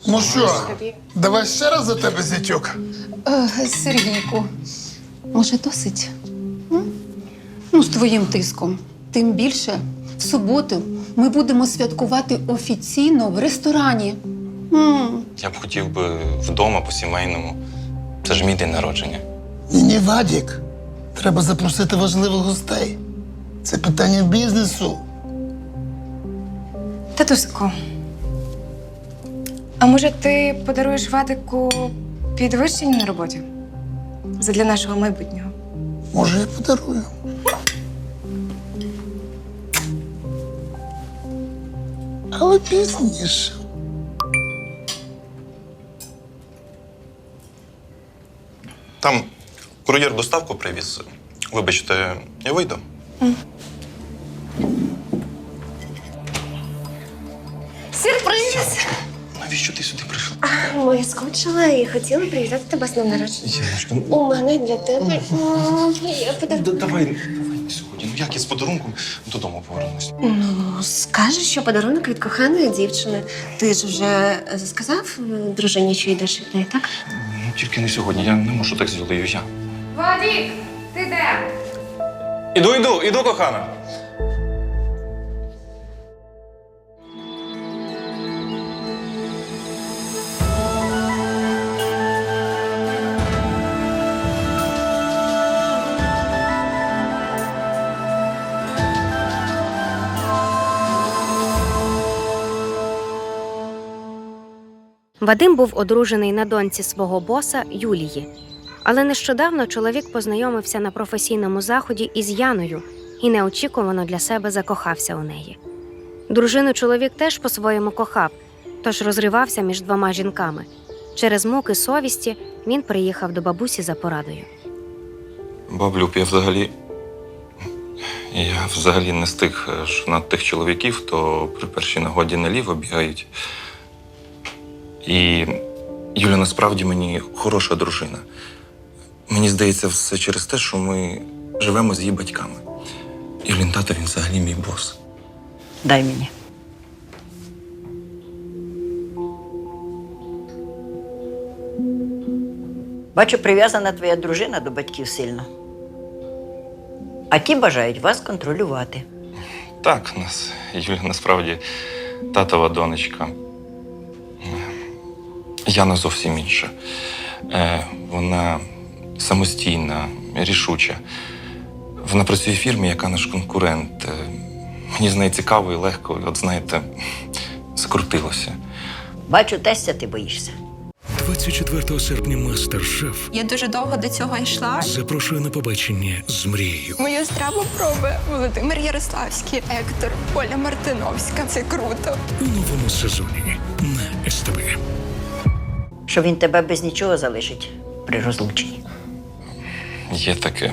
Ну що, давай ще раз за тебе, зятьок? Сергійку, може досить? Ну, з твоїм тиском. Тим більше, в суботу ми будемо святкувати офіційно в ресторані. Я б хотів би вдома по-сімейному. Це ж мій день народження. Ні, Вадік. Треба запросити важливих гостей. Це питання бізнесу. Татусику, а може ти подаруєш Вадику підвищення на роботі? Задля нашого майбутнього. Може, я подарую. Але пізніше. Там кур'єр доставку привіз. Вибачте, я вийду. Сюрприз! Навіщо ти сюди прийшла? Ми скучила і хотіли привітати тебе з днем народження. Яночка, У мене для тебе є подарунок. давай не сьогодні. Ну як я з подарунком додому повернусь? Ну, скажеш, що подарунок від коханої дівчини. Ти ж вже сказав дружині, що йдеш від неї, так? Ну тільки не сьогодні. Я не можу так з Юлею. Я. Вадик, ти де? Іду, кохана. Вадим був одружений на доньці свого боса Юлії. Але нещодавно чоловік познайомився на професійному заході із Яною і неочікувано для себе закохався у неї. Дружину чоловік теж по-своєму кохав, тож розривався між двома жінками. Через муки совісті він приїхав до бабусі за порадою. Баблюб, я взагалі не з тих тих чоловіків, хто при першій нагоді наліво бігають. І Юля насправді мені хороша дружина. Мені здається, все через те, що ми живемо з її батьками. Юлін тато, він взагалі мій бос. Дай мені. Бачу, прив'язана твоя дружина до батьків сильно. А ті бажають вас контролювати. Так, Юля насправді татова донечка. Яна зовсім інша. Вона самостійна, рішуча. Вона працює в фірмі, яка наш конкурент. Мені з нею цікаво і легко, от знаєте, закрутилося. Бачу, тестя ти боїшся. 24 серпня «Мастер-шеф» Я дуже довго до цього йшла. запрошує на побачення з мрією. Мою страву пробує Володимир Ярославський, Ектор, Оля Мартиновська. Це круто. У новому сезоні на СТБ. Що він тебе без нічого залишить при розлученні. Є таке.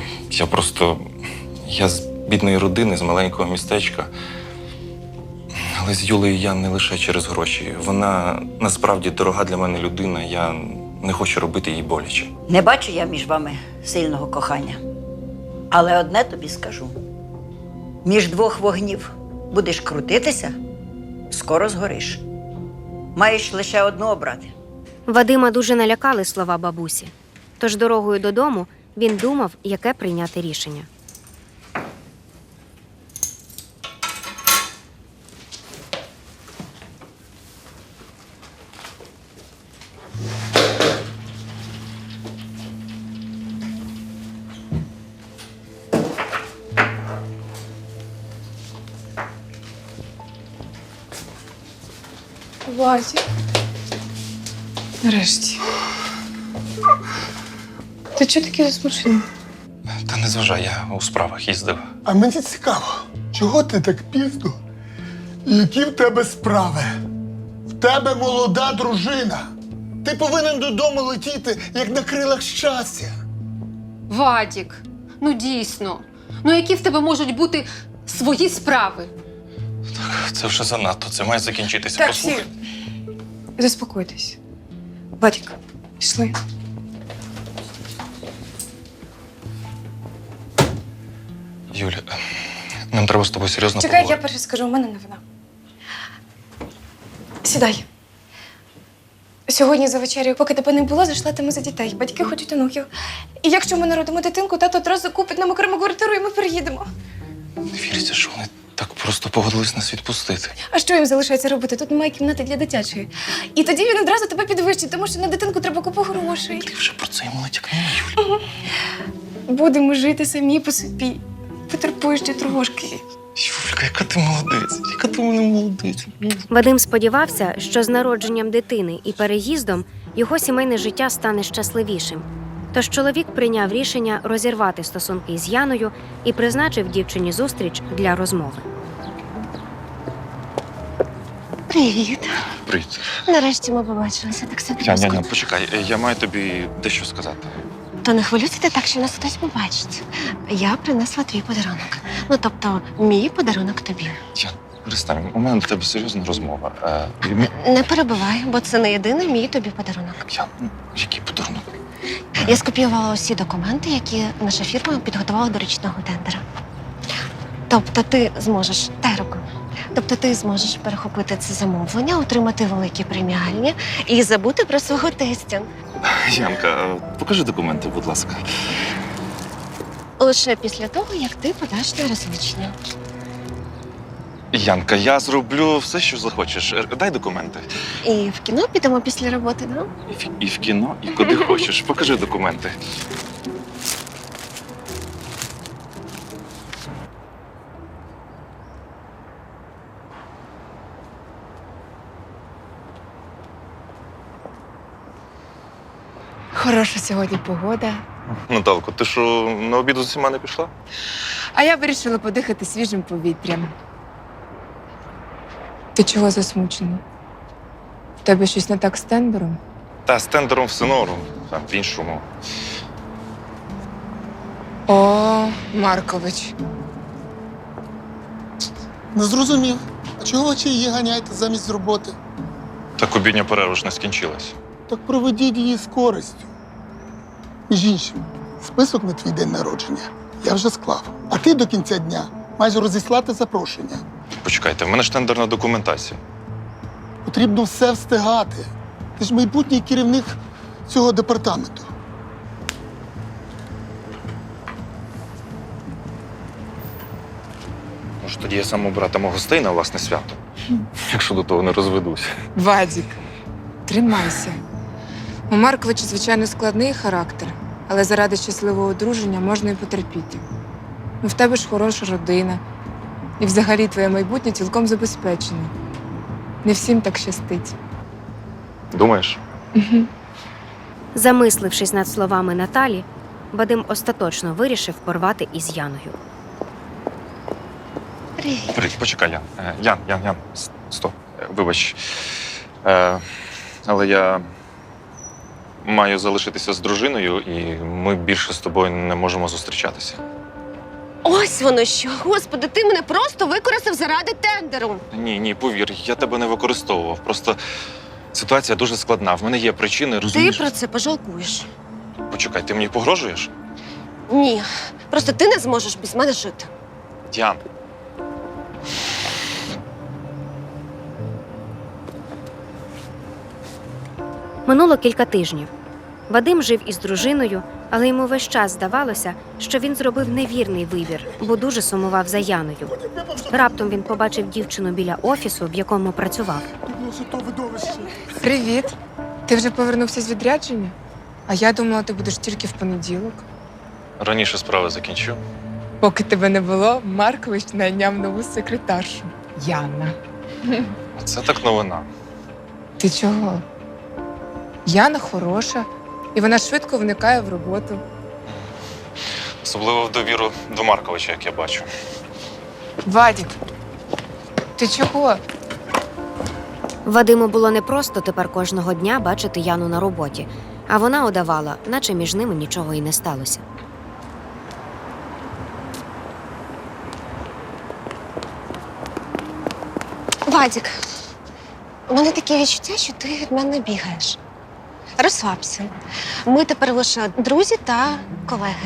Я з бідної родини, з маленького містечка. Але з Юлею я не лише через гроші. Вона насправді дорога для мене людина. Я не хочу робити їй боляче. Не бачу я між вами сильного кохання. Але одне тобі скажу. Між двох вогнів будеш крутитися, скоро згориш. Маєш лише одну обрати. Вадима дуже налякали слова бабусі. Тож дорогою додому він думав, яке прийняти рішення. Вадик. Нарешті. Ти чого такий засмучений? Та не зважай, я у справах їздив. А мені цікаво, чого ти так пізно? І які в тебе справи? В тебе молода дружина. Ти повинен додому летіти, як на крилах щастя. Вадік, ну дійсно. Ну які в тебе можуть бути свої справи? Це вже занадто, це має закінчитися. Так, Послухай. всі. Заспокойтесь. Вадик, пішли. Юля, нам треба з тобою серйозно Чекай, я поговорити. перше скажу, у мене новина. Сідай. Сьогодні за вечерею, поки тебе не було, зайшла тема за дітей. Батьки хочуть онуків. І якщо ми народимо дитинку, тато одразу купить нам окрему квартиру і ми переїдемо. Не віриться, що вони так просто погодились нас відпустити. А що їм залишається робити? Тут немає кімнати для дитячої. І тоді він одразу тебе підвищить, тому що на дитинку треба купу грошей. Ти вже про це йому натякнула, Юль. Будемо жити самі по собі. Потерпуй ще трошки. Юлька, яка ти молодець, яка ти мене молодець. Вадим сподівався, що з народженням дитини і переїздом його сімейне життя стане щасливішим. Тож чоловік прийняв рішення розірвати стосунки з Яною і призначив дівчині зустріч для розмови. Привіт. Привіт. Нарешті ми побачилися. Так все Ян, почекай, я маю тобі дещо сказати. То не хвилюйся ти так, що нас хтось побачить. Я принесла твій подарунок. Ну, тобто, мій подарунок тобі. Ян, перестань, у мене до тебе серйозна розмова. Не перебивай, бо це не єдиний мій тобі подарунок. Ян, який подарунок? Я скопіювала усі документи, які наша фірма підготувала до річного тендера. Тобто ти зможеш Тобто ти зможеш перехопити це замовлення, отримати великі преміальні і забути про свого тестя. Янка, покажи документи, будь ласка. Лише після того, як ти подаш на розлучення. Янка, я зроблю все, що захочеш. Дай документи. І в кіно підемо після роботи, да? І в кіно, і куди хочеш. Покажи документи. Хороша сьогодні погода. Наталко, ти що, на обід з усіма не пішла? А я вирішила подихати свіжим повітрям. Ти чого засмучений? В тебе щось не так з тендером? Та з тендером все норм, там в іншому. О, Маркович. Не зрозумів. А чого ви її ганяєте замість роботи? Так обідня перерва ж не скінчилась. Так проведіть її з користю. Між іншим, список на твій день народження я вже склав. А ти до кінця дня маєш розіслати запрошення. Почекайте, в мене ж тендерна документація. Потрібно все встигати. Ти ж майбутній керівник цього департаменту. Може, тоді я сам обратиму гостей на власне свято, якщо до того не розведусь. Вадік, тримайся. У Марковича, звичайно, складний характер, але заради щасливого одруження можна і потерпіти. Ну, в тебе ж хороша родина. І взагалі твоє майбутнє цілком забезпечене. Не всім так щастить. Думаєш? Замислившись над словами Наталі, Вадим остаточно вирішив порвати із Яною. Привіт. Привіт, почекай, Ян. Ян, стоп. Вибач. Але я маю залишитися з дружиною, і ми більше з тобою не можемо зустрічатися. Ось воно що. Господи, ти мене просто використав заради тендеру. Ні, повір, я тебе не використовував. Просто ситуація дуже складна. В мене є причини, Ти розумієш? про це пожалкуєш. Почекай, ти мені погрожуєш? Ні. Просто ти не зможеш без мене жити. Ян. Минуло кілька тижнів. Вадим жив із дружиною, але йому весь час здавалося, що він зробив невірний вибір, бо дуже сумував за Яною. Раптом він побачив дівчину біля офісу, в якому працював. Привіт. Ти вже повернувся з відрядження? А я думала, ти будеш тільки в понеділок. Раніше справи закінчив. Поки тебе не було, Маркович найняв нову секретаршу. Яна. Це так новина. Ти чого? Яна хороша, і вона швидко вникає в роботу. Особливо в довіру до Марковича, як я бачу. Вадік, ти чого? Вадиму було непросто тепер кожного дня бачити Яну на роботі, а вона удавала, наче між ними нічого і не сталося. Вадік, у мене таке відчуття, що ти від мене бігаєш. Розслабся. Ми тепер лише друзі та колеги.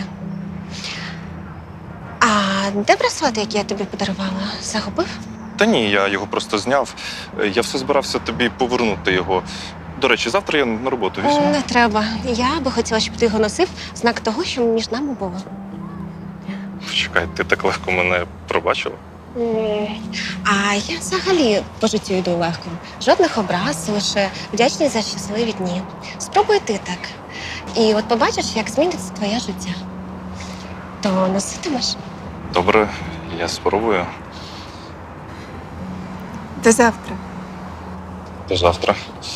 А де браслет, який я тобі подарувала? Загубив? Та ні, я його просто зняв. Я все збирався тобі повернути його. До речі, завтра я на роботу візьму. Не треба. Я би хотіла, щоб ти його носив в знак того, що між нами було. Чекай, ти так легко мене пробачила. А я взагалі по життю йду легко. Жодних образ, лише вдячний за щасливі дні. Спробуй ти так. І от побачиш, як зміниться твоє життя. То носитимеш? Добре, я спробую. До завтра. До завтра.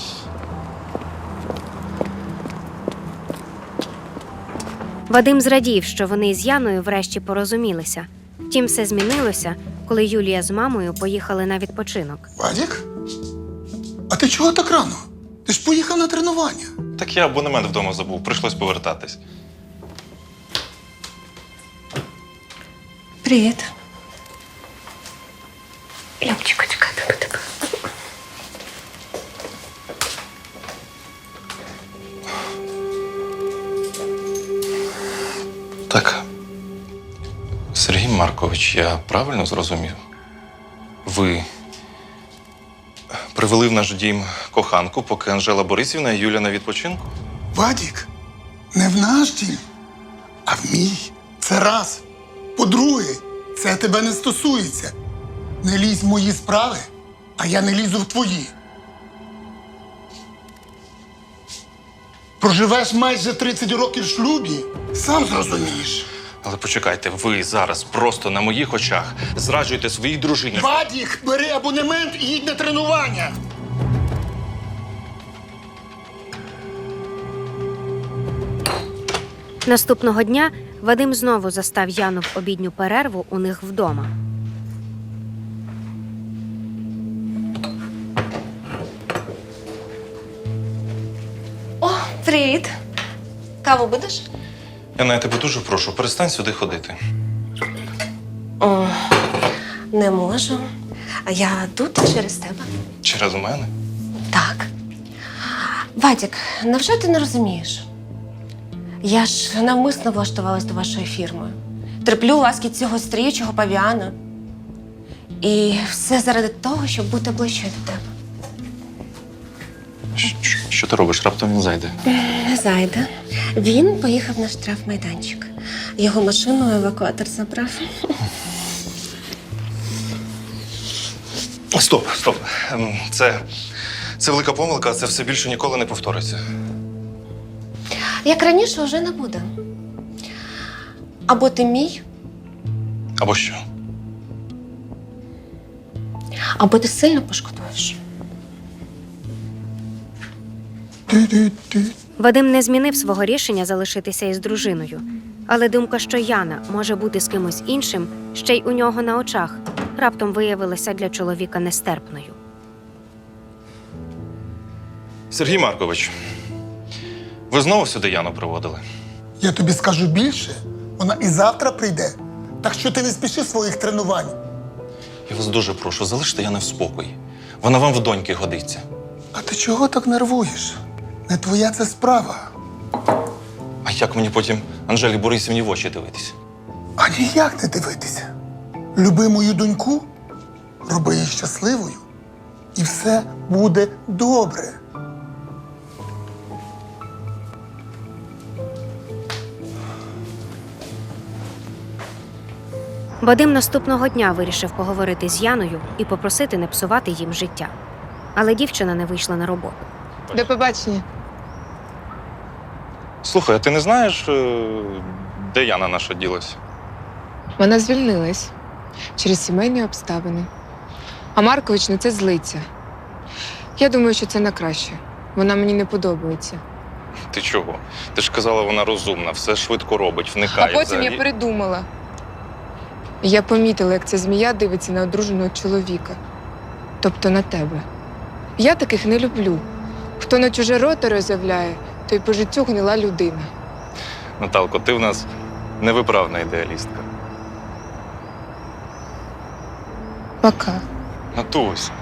Вадим зрадів, що вони з Яною врешті порозумілися. Втім, все змінилося, коли Юлія з мамою поїхали на відпочинок. Вадік? А ти чого так рано? Ти ж поїхав на тренування. Так я абонемент вдома забув, прийшлось повертатись. Привіт. Любчику, чекати на тебе. Так. Сергій Маркович, я правильно зрозумів? Ви привели в наш дім коханку, поки Анжела Борисівна і Юля на відпочинку? Вадік, не в наш дім, а в мій. Це раз. По-друге, це тебе не стосується. Не лізь в мої справи, а я не лізу в твої. Проживеш майже 30 років в шлюбі, сам зрозумієш. Але почекайте, ви зараз просто на моїх очах зраджуєте своїй дружині. Вадік, бери абонемент і їдь на тренування. Наступного дня Вадим знову застав Яну в обідню перерву у них вдома. О, привіт. Каву будеш? Яна, я тебе дуже прошу, перестань сюди ходити. О, не можу. А я тут через тебе. Через мене? Так. Вадік, невже ти не розумієш? Я ж навмисно влаштувалась до вашої фірми. Терплю ласки цього стріючого павіана. І все заради того, щоб бути ближче до тебе. Що ти робиш? Раптом він зайде. Не зайде. Він поїхав на штрафмайданчик. Його машину евакуатор забрав. Стоп. Це велика помилка, це все більше ніколи не повториться. Як раніше, вже не буде. Або ти мій, Або що? або ти сильно пошкодуєш. Вадим не змінив свого рішення залишитися із дружиною. Але думка, що Яна може бути з кимось іншим, ще й у нього на очах, раптом виявилася для чоловіка нестерпною. Сергій Маркович, ви знову сюди Яну приводили? Я тобі скажу більше, вона і завтра прийде. Так що ти не спіши своїх тренувань. Я вас дуже прошу, залиште Яну в спокої. Вона вам в доньки годиться. А ти чого так нервуєш? Не твоя це справа. А як мені потім Анжелі Борисівні в очі дивитись? А ніяк не дивитися. Люби мою доньку, роби її щасливою, і все буде добре. Вадим наступного дня вирішив поговорити з Яною і попросити не псувати їм життя. Але дівчина не вийшла на роботу. До побачення. Слухай, а ти не знаєш, де Яна наша ділась? Вона звільнилась через сімейні обставини. А Маркович на це злиться. Я думаю, що це на краще. Вона мені не подобається. Ти чого? Ти ж казала, вона розумна, все швидко робить, А вникає. потім взагалі. я передумала. Я помітила, як ця змія дивиться на одруженого чоловіка. Тобто на тебе. Я таких не люблю. Хто на чуже рота роззявляє, той по життю гнила людина. Наталко, ти в нас невиправна ідеалістка. Пока. Натусь.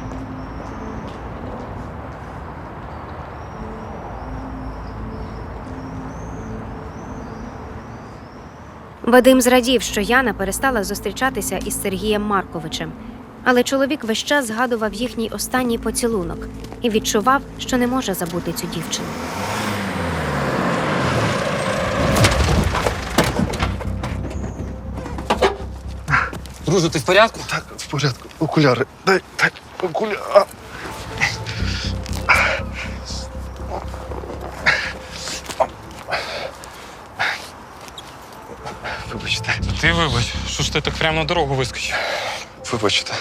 Вадим зрадів, що Яна перестала зустрічатися із Сергієм Марковичем. Але чоловік весь час згадував їхній останній поцілунок і відчував, що не може забути цю дівчину. Друже, ти в порядку? Так, в порядку. Окуляри. Дай окуляри. Вибачте. Ти вибач, що ж ти так прямо на дорогу вискочив? Вибачте.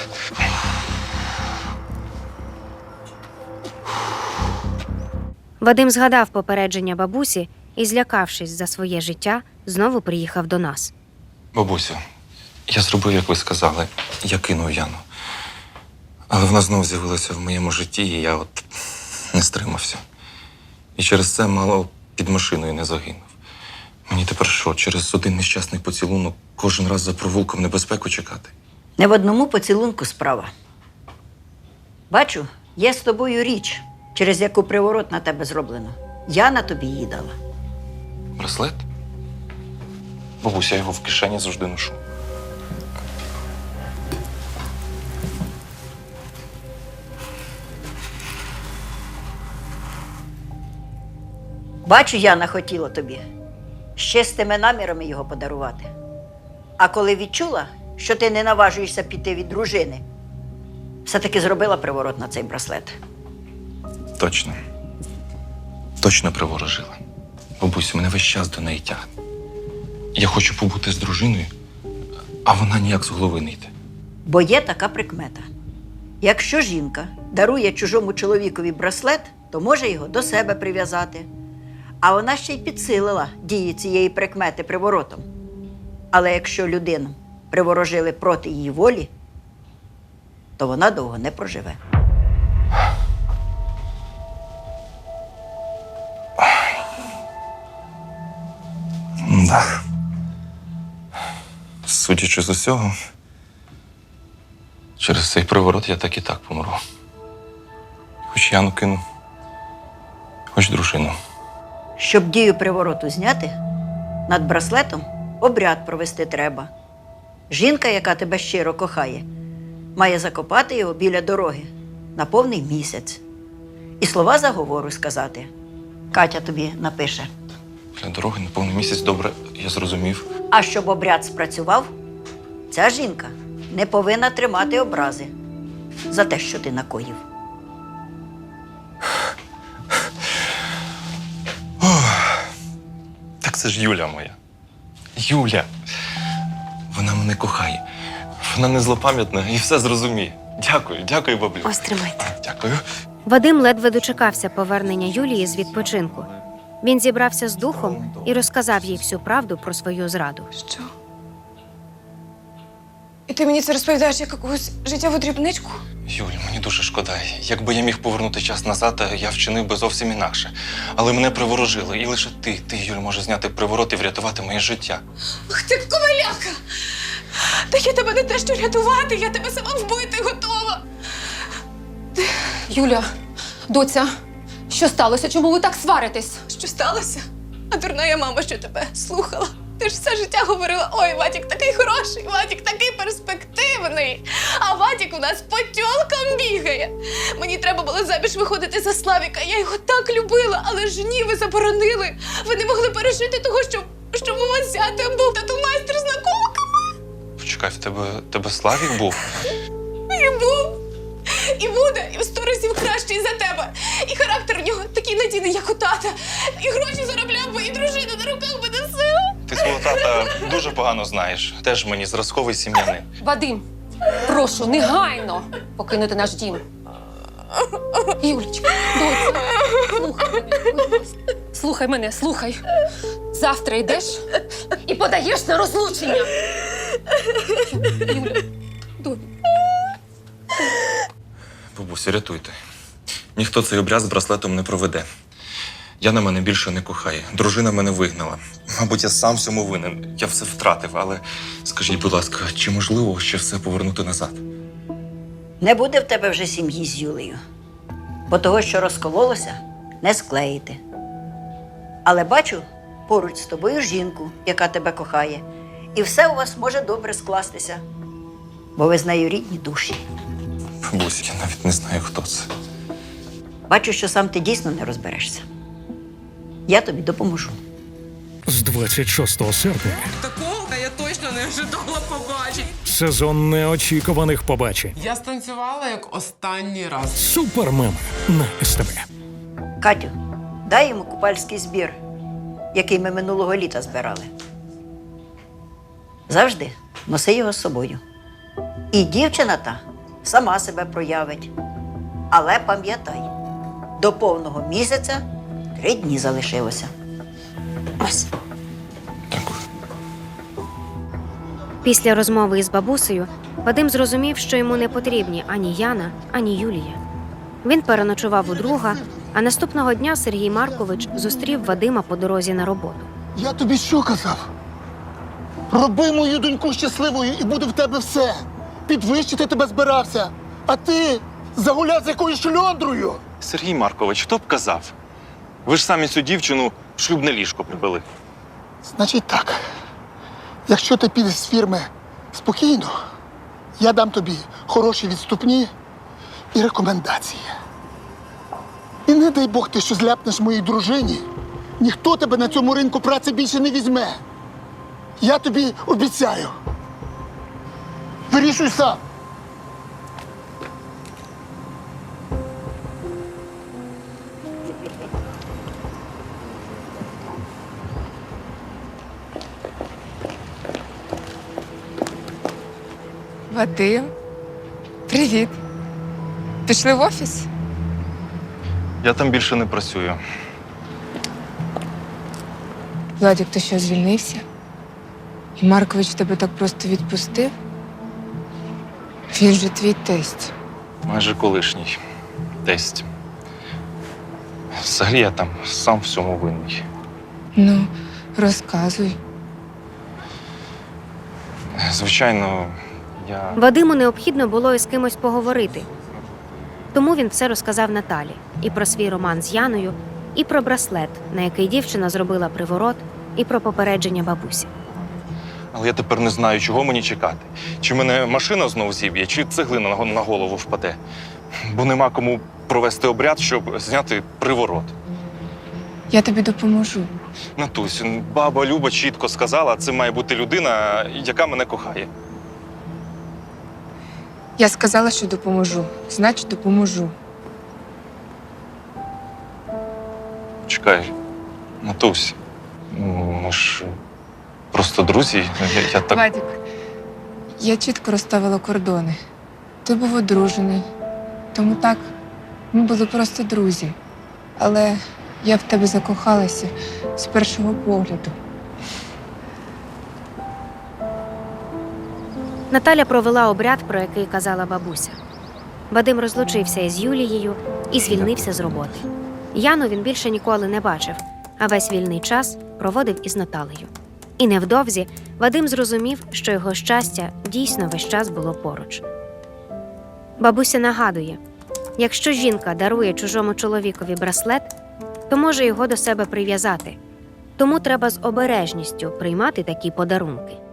Вадим згадав попередження бабусі і, злякавшись за своє життя, знову приїхав до нас. Бабусю, я зробив, як ви сказали. Я кинув Яну. Але вона знов з'явилася в моєму житті, і я от не стримався. І через це мало під машиною не загинув. Мені тепер що, через один нещасний поцілунок кожен раз за провулком небезпеку чекати? Не в одному поцілунку справа. Бачу, є з тобою річ, через яку приворот на тебе зроблено. Яна тобі її дала. Браслет? Бабуся, я його в кишені завжди ношу. Бачу, Яна хотіла тобі з чистими намірами його подарувати. А коли відчула, що ти не наважуєшся піти від дружини, все-таки зробила приворот на цей браслет. Точно. Точно приворожила. Бабусю, мене весь час до неї тягне. Я хочу побути з дружиною, а вона ніяк з голови не йде. Бо є така прикмета. Якщо жінка дарує чужому чоловікові браслет, то може його до себе прив'язати. А вона ще й підсилила дії цієї прикмети приворотом. Але якщо людину приворожили проти її волі, то вона довго не проживе. Да. Судячи з усього, через цей приворот я так і так помру. Хоч Яну кину, хоч дружину. Щоб дію привороту зняти, над браслетом обряд провести треба. Жінка, яка тебе щиро кохає, має закопати його біля дороги на повний місяць. І слова заговору сказати. Катя тобі напише. Для дороги на повний місяць, добре, я зрозумів. А щоб обряд спрацював, ця жінка не повинна тримати образи за те, що ти накоїв. Так це ж Юля моя. Юля. Вона мене кохає. Вона не злопам'ятна і все зрозуміє. Дякую, баблю. Ось тримайте. Дякую. Вадим ледве дочекався повернення Юлії з відпочинку. Він зібрався з духом і розказав їй всю правду про свою зраду. Що? І ти мені це розповідаєш як якусь життєву дрібничку? Юль, мені дуже шкода. Якби я міг повернути час назад, я вчинив би зовсім інакше. Але мене приворожили. І лише ти, Юль, можеш зняти приворот і врятувати моє життя. Ах ти коваляка! Та я тебе не те, що рятувати, я тебе сама вбити готова. Юля, доця, що сталося? Чому ви так сваритесь? Що сталося? А дурна я мама, що тебе слухала. Ти ж все життя говорила: ой, Вадік такий хороший, Вадік такий перспективний. А Вадік у нас по тьолкам бігає. Мені треба було заміж виходити за Славіка. Я його так любила, але ж ні, ви заборонили. Ви не могли пережити того, що у вас зятем був тату-майстер з наколками. Почекай, в тебе Славік був? І був. І буде, і в 100 разів кращий за тебе. І характер в нього такий надійний, як у тата. І гроші заробляв би, і дружину на руках би носив. Ти свого тата дуже погано знаєш. Теж мені зразковий сім'янин. Вадим, прошу, негайно покинути наш дім. Юлечка, доця, слухай мене, будь ласка. Слухай мене, слухай. Завтра йдеш і подаєш на розлучення. Юля, добре. Бабусі, рятуйте. Ніхто цей обряд з браслетом не проведе. Яна мене більше не кохає. Дружина мене вигнала. Мабуть, я сам всьому винен. Я все втратив, але скажіть, будь ласка, чи можливо ще все повернути назад? Не буде в тебе вже сім'ї з Юлею. Бо того, що розкололося, не склеїти. Але бачу поруч з тобою жінку, яка тебе кохає. І все у вас може добре скластися. бо ви з нею рідні душі. Бабусь, я навіть не знаю, хто це. Бачу, що сам ти дійсно не розберешся. Я тобі допоможу. З 26 серпня Такого я точно не ожидала побачити. сезон неочікуваних побачень. Я станцювала як останній раз. Супермеми на СТБ. Катю, дай йому купальський збір, який ми минулого літа збирали. Завжди носи його з собою. І дівчина та сама себе проявить. Але пам'ятай, до повного місяця 3 дні залишилося. Ось. Дякую. Після розмови із бабусею Вадим зрозумів, що йому не потрібні ані Яна, ані Юлія. Він переночував у друга, а наступного дня Сергій Маркович зустрів Вадима по дорозі на роботу. Я тобі що казав? Роби мою доньку щасливою і буде в тебе все. Підвищити тебе збирався. А ти загуляв з якоюсь шльондрою. Сергій Маркович, хто б казав? Ви ж самі цю дівчину в шлюбне ліжко привели. Значить так, якщо ти підеш з фірми спокійно, я дам тобі хороші відступні і рекомендації. І не дай Бог ти що зляпнеш моїй дружині, ніхто тебе на цьому ринку праці більше не візьме. Я тобі обіцяю. Вирішуй сам. Вадим, привіт. Пішли в офіс? Я там більше не працюю. Владик, ти що, звільнився? І Маркович тебе так просто відпустив? Він же твій тесть. Майже колишній тесть. Взагалі я там сам всьому винний. Ну, розказуй. Звичайно, я. Вадиму необхідно було із кимось поговорити. Тому він все розказав Наталі і про свій роман з Яною, і про браслет, на який дівчина зробила приворот, і про попередження бабусі. Але я тепер не знаю, чого мені чекати. Чи мене машина знову зіб'є, чи цеглина на голову впаде. Бо нема кому провести обряд, щоб зняти приворот. Я тобі допоможу. Натусь, баба Люба чітко сказала, це має бути людина, яка мене кохає. Я сказала, що допоможу. Значить, допоможу. Чекай, Натусь, ми ж просто друзі. Я так. Вадик, я чітко розставила кордони. Ти був одружений. Тому так, ми були просто друзі. Але я в тебе закохалася з першого погляду. Наталя провела обряд, про який казала бабуся. Вадим розлучився із Юлією і звільнився з роботи. Яну він більше ніколи не бачив, а весь вільний час проводив із Наталею. І невдовзі Вадим зрозумів, що його щастя дійсно весь час було поруч. Бабуся нагадує, якщо жінка дарує чужому чоловікові браслет, то може його до себе прив'язати. Тому треба з обережністю приймати такі подарунки.